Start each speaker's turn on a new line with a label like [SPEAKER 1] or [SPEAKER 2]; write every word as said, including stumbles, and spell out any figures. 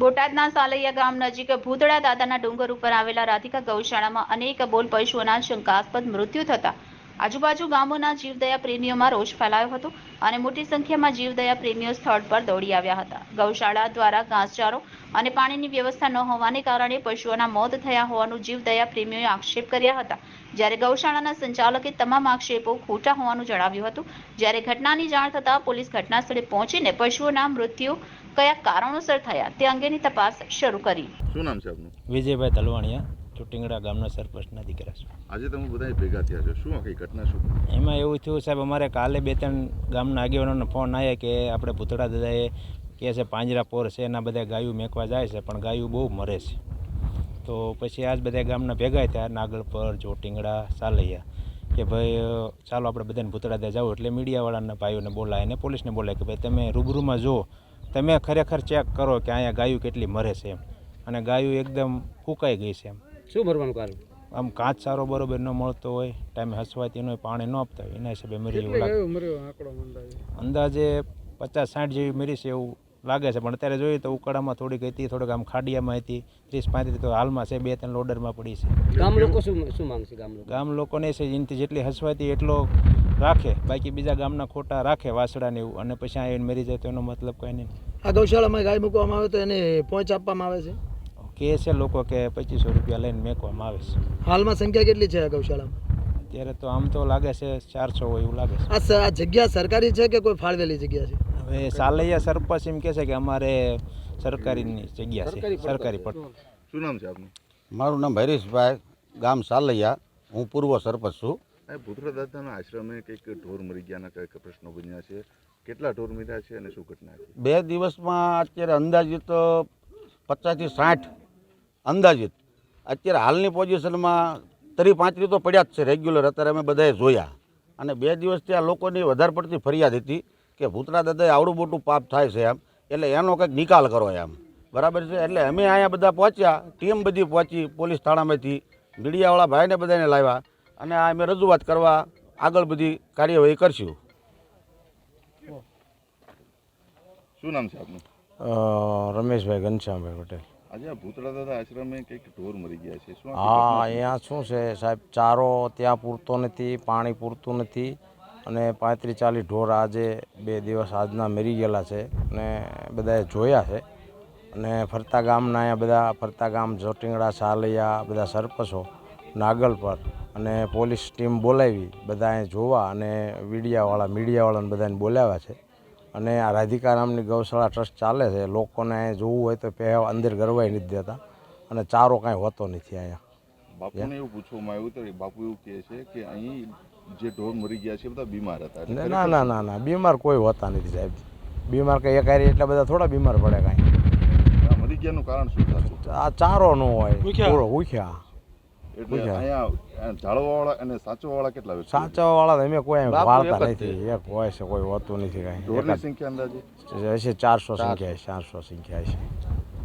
[SPEAKER 1] બોટાદના સાલૈયા ગામ નજીક ભૂતળા દાદાના ડુંગર ઉપર આવેલા રાધિકા ગૌશાળામાં અનેક બોલ પશુઓના શંકાસ્પદ મૃત્યુ થતા આજુબાજુ ગામોના જીવદયા પ્રેમીઓમાં રોષ ફેલાયો હતો અને મોટી સંખ્યામાં જીવદયા પ્રેમીઓ સ્થળ પર દોડી આવ્યા હતા. ગૌશાળા દ્વારા ઘાસચારો અને પાણીની વ્યવસ્થા ન હોવાને કારણે પશુઓના મોત થયા હોવાનું જીવદયા પ્રેમીઓએ આક્ષેપ કર્યા હતા. જ્યારે ગૌશાળાના સંચાલકે તમામ આક્ષેપો ખોટા હોવાનું જણાવ્યું હતું. જ્યારે ઘટનાની જાણ થતાં પોલીસ ઘટના સ્થળે પહોંચીને પશુઓના મૃત્યુ કયા કારણોસર થયા તે અંગેની તપાસ શરૂ કરી.
[SPEAKER 2] શું નામ છે આપનું?
[SPEAKER 3] વિજયભાઈ તલવાણીયા, ચોટીંગડા ગામના સરપંચના દીકરા છે.
[SPEAKER 2] આજે તમે બધા ભેગા થયા છો, શું આખી ઘટના શું?
[SPEAKER 3] એમાં એવું થયું સાહેબ, અમારે કાલે બે ત્રણ ગામના આગેવાનોનો ફોન આવ્યા કે આપણે ભૂતળા દાદાએ કહે છે પાંજરા પોર છે, એના બધા ગાયું મેકવા જાય છે પણ ગાયું બહુ મરે છે. તો પછી આજ બધા ગામના ભેગા થયા, નાગલપર, ચોટીંગડા, સાલૈયા, કે ભાઈ ચાલો આપણે બધાને ભૂતળા દાદા જાવ. એટલે મીડિયાવાળાના ભાઈઓને બોલાય અને પોલીસને બોલાય કે ભાઈ તમે રૂબરૂમાં જો, તમે ખરેખર ચેક કરો કે અહીંયા ગાયું કેટલી મરે છે એમ. અને ગાયું એકદમ ફૂંકાઈ ગઈ છે એમ.
[SPEAKER 4] શું ભરવાનું કારણ?
[SPEAKER 3] આમ કાચ સારો બરોબર ન મળતો હોય, ટાઈમે હસવાતી હોય, પાણી ન આપતા હોય, એના હિસાબે મરી એવું લાગે. અંદાજે પચાસ સાઠ જેવી મરી છે એવું લાગે છે. પણ અત્યારે જોઈએ તો ઉકાળામાં થોડીક હતી, થોડીક આમ ખાડિયામાં હતી, ત્રીસ પાંત્રીસ તો હાલમાં છે, બે ત્રણ લોડરમાં પડી છે.
[SPEAKER 4] ગામ લોકો શું શું માંગશે? ગામ લોકો
[SPEAKER 3] ગામ લોકોને છે એનાથી જેટલી હસવાતી એટલો રાખે, બાકી બીજા ગામના ખોટા રાખે વાસડાને એવું, અને પછી આ એને મરી જાય તો એનો મતલબ કંઈ નહીં.
[SPEAKER 5] આ ગૌશાળામાં ગાય મૂકવામાં આવે તો એને પહોંચ આપવામાં આવે છે
[SPEAKER 3] કહે છે લોકો કે પચીસો રૂપિયા લઈને મેકવામાં આવે છે.
[SPEAKER 5] હાલમાં સંખ્યા કેટલી છે આ ગૌશાળામાં?
[SPEAKER 3] અત્યારે તો આમ તો લાગે છે ચારસો હોય એવું લાગે છે.
[SPEAKER 5] આ સ- આ જગ્યા સરકારી છે કે કોઈ ફાળવેલી જગ્યા છે?
[SPEAKER 3] હવે સાલૈયા સરપંચ એમ કહે છે કે અમારે સરકારીની જગ્યા છે, સરકારી પટ.
[SPEAKER 2] શું નામ છે આપનું?
[SPEAKER 6] મારું નામ હરીશભાઈ, ગામ સાલૈયા, હું પૂર્વ સરપંચ છું.
[SPEAKER 2] આ ભૂતળા દાદાના આશ્રમે કંઈક ઢોર મરી ગયાના કંઈક પ્રશ્નો બન્યા છે, કેટલા ઢોર મર્યા છે અને શું ઘટના છે?
[SPEAKER 6] બે દિવસમાં અત્યારે અંદાજિત પચાસથી સાઠ અંદાજિત અત્યારે હાલની પોઝિશનમાં ત્રીસ પાંત્રીસ તો પડ્યા જ છે રેગ્યુલર. અત્યારે અમે બધાએ જોયા અને બે દિવસથી આ લોકોની વધારે પડતી ફરિયાદ હતી કે ભૂતળા દાદાએ આવડું મોટું પાપ થાય છે એમ, એટલે એનો કંઈક નિકાલ કરો એમ. બરાબર છે. એટલે અમે અહીંયા બધા પહોંચ્યા, ટીમ બધી પહોંચી, પોલીસ થાણામાંથી મીડિયાવાળા ભાઈને બધાને લાવ્યા અને આ અમે રજૂઆત કરવા આગળ બધી કાર્યવાહી કરશું.
[SPEAKER 2] શું નામ છે આપનું?
[SPEAKER 7] રમેશભાઈ ઘનશ્યામભાઈ પટેલ.
[SPEAKER 2] આજે આ ભૂતળા દાદા આશ્રમે કંઈક ઢોર મરી ગયા છે, શું?
[SPEAKER 7] હા, અહીંયા શું છે સાહેબ, ચારો ત્યાં પૂરતો નથી, પાણી પૂરતું નથી અને પાંત્રીસ ચાલીસ ઢોર આજે બે દિવસ આજના મરી ગયેલા છે અને બધાએ જોયા છે. અને ફરતા ગામના અહીંયા બધા ફરતા ગામ ચોટીંગડા, સાલૈયા બધા સરપંચો નાગલ પર અને પોલીસ ટીમ બોલાવી બધા અહીંયા જોવા અને મીડિયાવાળા મીડિયાવાળાને બધાને બોલાવ્યા છે. અને આ રાધિકા નામની ગૌશાળા ટ્રસ્ટ ચાલે છે, લોકોને જોવું હોય તો પહેલાં અંદર ગરવાઈ નથી દેતા અને ચારો કાંઈ હોતો નથી અહીંયા.
[SPEAKER 2] બાપુને એવું પૂછવામાં આવ્યું તો બાપુ એવું કહે છે કે અહીં જે ઢોર મરી ગયા છે બધા બીમાર હતા.
[SPEAKER 7] ના ના ના ના બીમાર કોઈ હોતા નથી સાહેબ. બીમાર કંઈ એક હારી એટલા બધા થોડા બીમાર પડે કાંઈ.
[SPEAKER 2] મરી ગયાનું કારણ શું થતું?
[SPEAKER 7] આ ચારો ન હોય, પૂરો ઉખ્યા.
[SPEAKER 2] એટલે અહીંયા ઝાડવાવાળા અને સાચવાવાળા કેટલા વ્યક્તિ?
[SPEAKER 7] સાચવાવાળા તો અમે કોઈ વાળતા નથી, એક હોય છે કોઈ હોતું નથી કાંઈ.
[SPEAKER 2] ઢોરની સંખ્યા અંદાજે
[SPEAKER 7] હશે ચારસો સંખ્યા છે, ચારસો સંખ્યા છે.